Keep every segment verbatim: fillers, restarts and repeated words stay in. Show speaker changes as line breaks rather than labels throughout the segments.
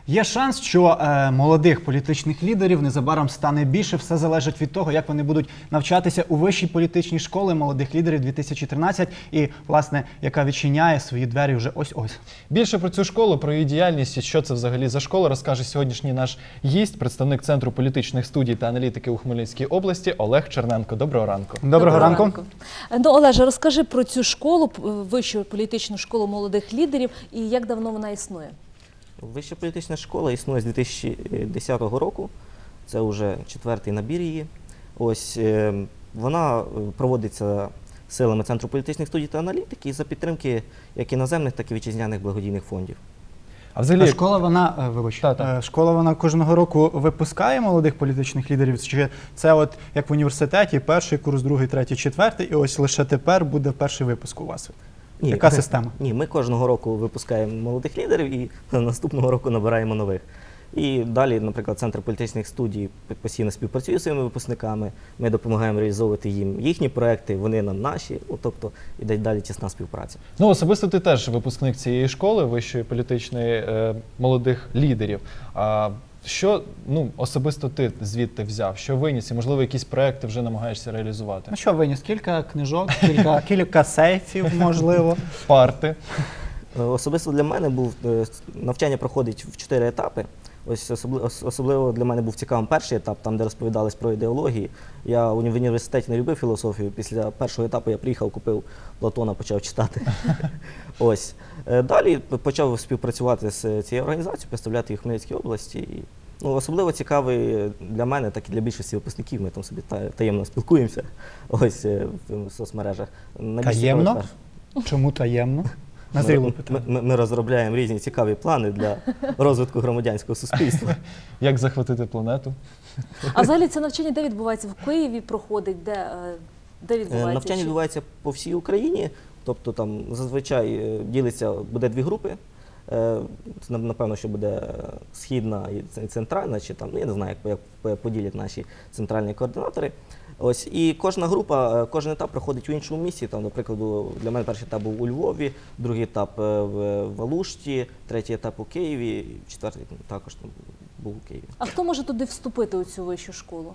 Є шанс, що е, молодих політичних лідерів незабаром стане більше. Все залежить від того, як вони будуть навчатися у вищій політичній школі молодих лідерів дві тисячі тринадцять і, власне, яка відчиняє свої двері вже ось-ось.
Більше про цю школу, про її діяльність і що це взагалі за школа, розкаже сьогоднішній наш гість, представник Центру політичних студій та аналітики у Хмельницькій області Олег Черненко. Доброго ранку.
Доброго, Доброго ранку. ранку.
Ну, Олеже, розкажи про цю школу, вищу політичну школу молодих лідерів, і як давно вона існує?
Вища політична школа існує з дві тисячі десятого року, це вже четвертий набір її. Ось, вона проводиться силами Центру політичних студій та аналітики за підтримки як іноземних, так і вітчизняних благодійних фондів.
А взагалі, а школа, вона, вибач, та, та. школа, вона кожного року випускає молодих політичних лідерів? Чи це от як в університеті, перший курс, другий, третій, четвертий, і ось лише тепер буде перший випуск у вас?
Ні,
Яка
ми,
система?
Ні, ми кожного року випускаємо молодих лідерів і наступного року набираємо нових. І далі, наприклад, Центр політичних студій постійно співпрацює з своїми випускниками, ми допомагаємо реалізовувати їм їхні проекти, вони нам наші, тобто іде далі тісна співпраця.
Ну, особисто ти теж випускник цієї школи, вищої політичної е, молодих лідерів. А що, ну, особисто ти звідти взяв? Що виніс? І, можливо, якісь проекти вже намагаєшся реалізувати?
Ну що виніс? Кілька книжок, кілька, кілька сейфів, можливо.
Парти.
Особисто для мене був, навчання проходить в чотири етапи. Ось особливо, особливо для мене був цікавим перший етап, там, де розповідались про ідеології. Я в університеті не любив філософію. Після першого етапу я приїхав, купив Платона, почав читати. Ось. Далі почав співпрацювати з цією організацією, представляти їх в Хмельницькій області. І, ну, особливо цікавий для мене, так і для більшості випускників. Ми там собі таємно спілкуємося ось в соцмережах.
Таємно? Чому таємно?
Ми, ми, ми, ми розробляємо різні цікаві плани для розвитку громадянського суспільства.
Як захватити планету?
А взагалі це навчання де відбувається? В Києві проходить? Де, де відбувається?
Навчання відбувається по всій Україні. Тобто там зазвичай ділиться, буде дві групи. Напевно, що буде східна і центральна, чи там, ну, я не знаю, як, як поділять наші центральні координатори. Ось, і кожна група, кожен етап проходить у іншому місці. Там, наприклад, для мене перший етап був у Львові, другий етап в Алушті, третій етап у Києві, четвертий також там був у Києві.
А хто може туди вступити у цю вищу школу?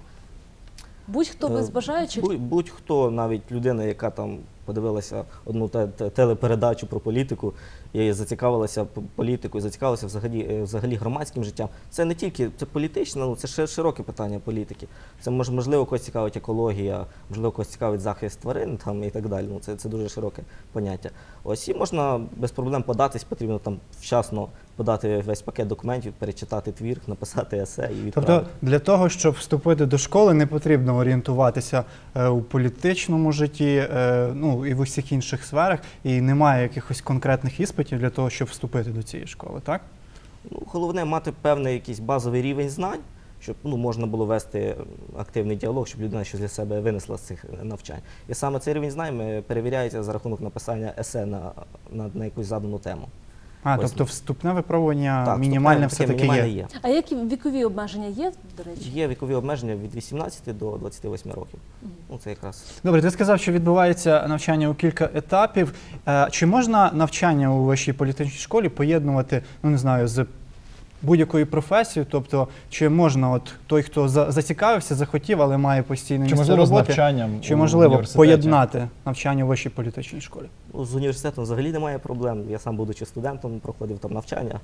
Будь-хто без бажаючих?
Будь-хто, навіть людина, яка там подивилася одну телепередачу про політику і зацікавилася політикою, зацікавилася взагалі, взагалі громадським життям. Це не тільки це політичне, ну, це широке питання політики. Це можливо когось цікавить екологія, можливо когось цікавить захист тварин там, і так далі. Ну, це, це дуже широке поняття. Ось і можна без проблем податись, потрібно там вчасно подати весь пакет документів, перечитати твір, написати есе і відправити.
Тобто для того, щоб вступити до школи, не потрібно орієнтуватися е, у політичному житті, е, ну і в усіх інших сферах, і немає якихось конкретних іспитів для того, щоб вступити до цієї школи, так?
Ну, головне мати певний якийсь базовий рівень знань, щоб, ну, можна було вести активний діалог, щоб людина щось для себе винесла з цих навчань. І саме цей рівень знань перевіряється за рахунок написання есе на, на, на якусь задану тему.
А, ось, тобто вступне випробування
так,
мінімальне все-таки є.
є.
А які вікові обмеження є, до речі?
Є вікові обмеження від вісімнадцяти до двадцяти восьми років. Mm. Ну, це якраз...
Добре, ти сказав, що відбувається навчання у кілька етапів. Чи можна навчання у вищій політичній школі поєднувати, ну не знаю, з будь-якою професією? Тобто, чи можна от той, хто за, зацікавився, захотів, але має постійне місце роботи,
з навчанням
чи можливо поєднати навчання у вищій політичній школі?
Ну, з університетом взагалі немає проблем. Я сам, будучи студентом, проходив там навчання.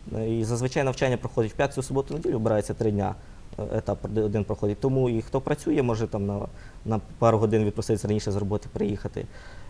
І зазвичай навчання проходить в п'ятницю, суботу, неділю, обирається три дня. Етап один проходить. Тому і хто працює, може там на, на пару годин відпроситися раніше з роботи, приїхати.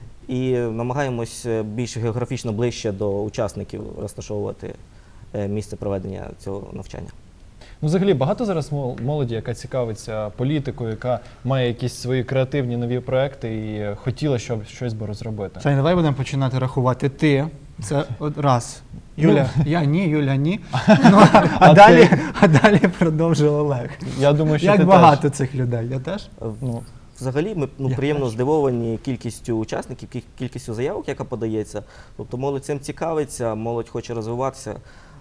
І намагаємось більш географічно ближче до учасників розташовувати місце проведення цього навчання.
Ну, взагалі, багато зараз молоді, яка цікавиться політикою, яка має якісь свої креативні нові проекти і хотіла, щоб щось би розробити.
Сань, давай будемо починати рахувати. Ти, це раз. Юля, ну, я ні, Юля ні. Ну, а, а, далі, а далі продовжив Олег.
Я думаю, що
Як
ти
багато
теж.
Цих людей? Я теж?
Ну, взагалі, ми ну, приємно теж. здивовані кількістю учасників, кількістю заявок, яка подається. Тобто молодь цим цікавиться, молодь хоче розвиватися,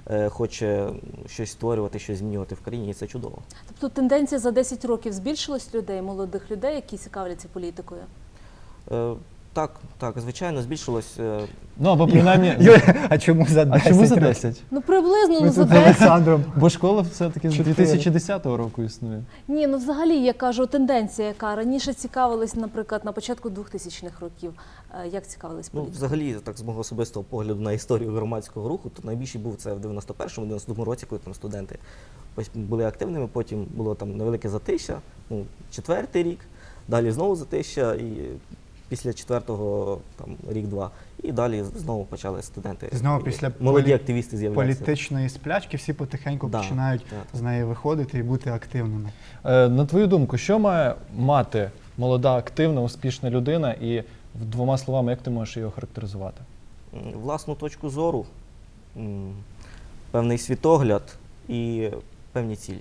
хоче щось створювати, щось змінювати в країні, і це чудово.
Тобто тенденція за десять років збільшилась людей, молодих людей, які цікавляться політикою?
Так, так, звичайно, збільшилось. е,
Ну або принаймні.
Юля, а чому за
А
десять?
чому за
років?
десять?
Ну приблизно
Ми
ну, за
тут з
десять.
Олександром.
Бо школа все-таки з
Чотири.
дві тисячі десятого року існує.
Ні, ну взагалі я кажу, тенденція, яка раніше цікавилась, наприклад, на початку двохтисячних років. Е, Як цікавились
Ну,
політикою?
взагалі, так з мого особистого погляду на історію громадського руху, то найбільший був це в дев'яносто першому дев'яносто другому році, коли там студенти ось були активними, потім було там невелике затища, ну, четвертий рік, далі знову затища, і після четвертого там рік-два, і далі знову почали студенти.
Знову
і
після
молоді
полі-
активісти з'являються.
Політичної сплячки всі потихеньку
Да,
починають
так.
з неї виходити і бути активними.
Е, На твою думку, що має мати молода, активна, успішна людина, і в двома словами, як ти можеш її охарактеризувати?
М, Власну точку зору, м, певний світогляд і певні цілі.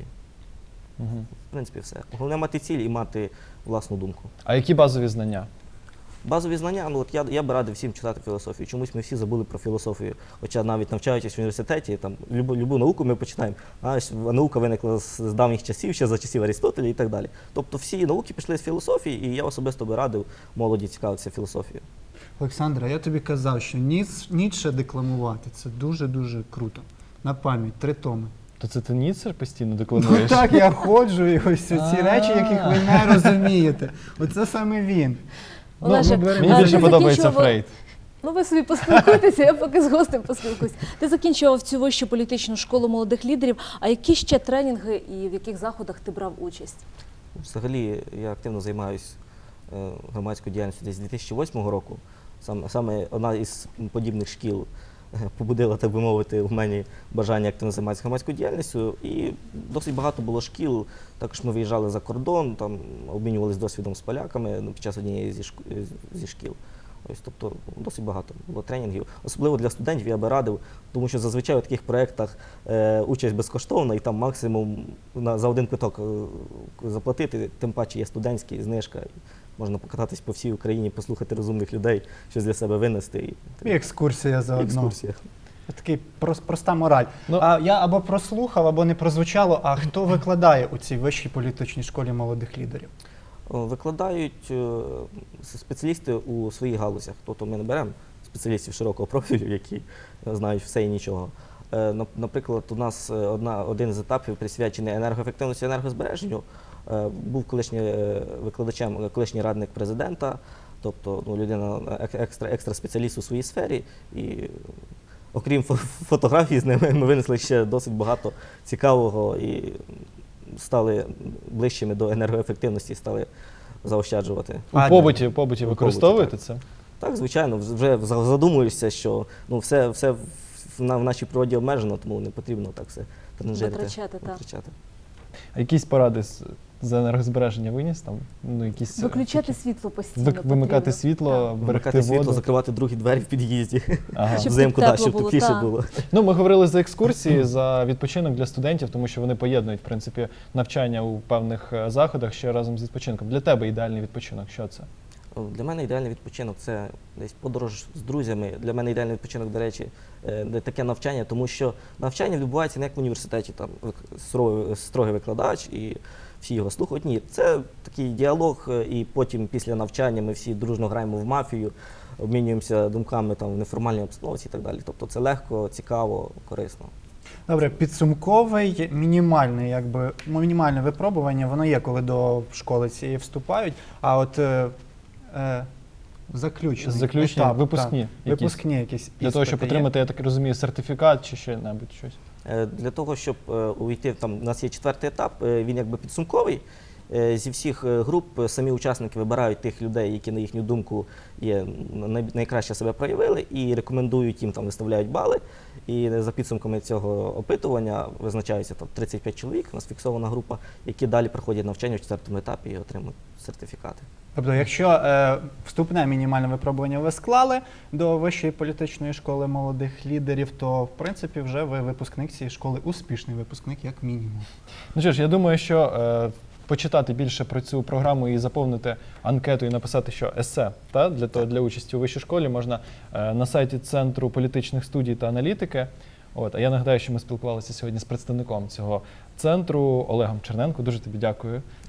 Угу.
В принципі, все. Головне мати ціль і мати власну думку.
А які базові знання?
Базові знання, ну от я, я би радив всім читати філософію. Чомусь ми всі забули про філософію. Хоча навіть навчаючись в університеті, там любу, любу науку ми починаємо. А ось наука виникла з, з давніх часів, ще за часів Арістотеля і так далі. Тобто всі науки пішли з філософії, і я особисто би радив молоді цікавитися філософією.
Олександра, я тобі казав, що Ніц, Ніцше декламувати це дуже-дуже круто. На пам'ять, три томи.
То це ти Ніцше постійно
Ну
декламуєш?
так, я ходжу, і ось ці
А.
речі, яких ви не розумієте. Оце саме він.
Ну,
Олеже,
мені
а
більше
ти
подобається
закінчував-
Фрейд.
Ну ви собі поспілкуйтеся, я поки з гостем поспілкуюсь. Ти закінчував цю вищу політичну школу молодих лідерів. А які ще тренінги і в яких заходах ти брав участь?
Взагалі, я активно займаюся е, громадською діяльністю десь з дві тисячі восьмого року. Саме, саме одна із подібних шкіл е, побудила, так би мовити, в мені бажання активно займатися громадською діяльністю. І досить багато було шкіл. Також ми виїжджали за кордон, там обмінювалися досвідом з поляками ну, під час однієї зі, шк... зі шкіл. Ось, тобто досить багато було тренінгів. Особливо для студентів я би радив, тому що зазвичай у таких проєктах е, участь безкоштовна і там максимум на, за один квиток е, заплатити, тим паче є студентський, знижка. І можна покататись по всій Україні, послухати розумних людей, щось для себе винести. І,
І екскурсія заодно.
екскурсія.
Такий прос- проста мораль.
Ну-
а я або прослухав, або не прозвучало, а хто викладає у цій вищій політичній школі молодих лідерів?
О, Викладають е, спеціалісти у своїх галузях. Тобто ми не беремо спеціалістів широкого профілю, які знають все і нічого. Е, нап- Наприклад, у нас е, одна, один з етапів присвячений енергоефективності і енергозбереженню. Е, Був колишній е, викладачем, е, колишній радник президента, тобто ну, людина ек- екстра, екстра спеціаліст у своїй сфері. І окрім фо- фотографій з ними, ми винесли ще досить багато цікавого і стали ближчими до енергоефективності, стали заощаджувати.
У
А,
побуті, у побуті
побуті,
використовуєте
так.
це?
Так, звичайно, вже задумуєшся, що ну, все, все в, на, в нашій природі обмежено, тому не потрібно так все транжирити.
Витрачати, так.
витрачати.
А якісь поради з, з енергозбереження виніс? Там, ну, якісь, е,
Виключати
такі-
світло постійно.
Вик- вимикати
потрібно.
світло,
Так.
берегти
Вмикати світло,
воду.
закривати другі двері в під'їзді.
Ага.
Щоб
Взимку,
тепло
так, щоб
було,
тепліше
так.
було.
Ну, ми говорили за екскурсії, за відпочинок для студентів, тому що вони поєднують, в принципі, навчання у певних е, заходах ще разом з відпочинком. Для тебе ідеальний відпочинок, що це?
Для мене ідеальний відпочинок це десь подорож з друзями. Для мене ідеальний відпочинок, до речі, е, де таке навчання, тому що навчання відбувається не як в університеті, там вик- суровий- строгий викладач і всі його слухають. Ні, це такий діалог, е, і потім після навчання ми всі дружно граємо в мафію, обмінюємося думками там в неформальній обстановці і так далі. Тобто це легко, цікаво, корисно.
Добре, підсумковий, мінімальний, якби, ну, мінімальне випробування, воно є, коли до школи цієї вступають, а от е, е, заключний
Заключні,
етап,
випускні
так,
якісь.
випускні якісь
Для того, щоб
іспити є?
отримати, я так розумію, сертифікат чи ще небудь щось.
Е, Для того, щоб е, увійти, там у нас є четвертий етап, е, він якби підсумковий. Е, Зі всіх е, груп е, самі учасники вибирають тих людей, які, на їхню думку, є най- найкраще себе проявили, і рекомендують їм, там виставляють бали. І за підсумками цього опитування визначаються там тридцять п'ять чоловік, у нас фіксована група, які далі проходять навчання в четвертому етапі і отримують сертифікати.
Тобто, якщо е, вступне мінімальне випробування ви склали до вищої політичної школи молодих лідерів, то в принципі вже ви випускник цієї школи, успішний випускник, як мінімум.
Ну що ж, я думаю, що е, почитати більше про цю програму і заповнити анкету і написати, що есе та, для, того, для участі у вищій школі можна е, на сайті Центру політичних студій та аналітики. От, а я нагадаю, що ми спілкувалися сьогодні з представником цього центру Олегом Черненко. Дуже тобі дякую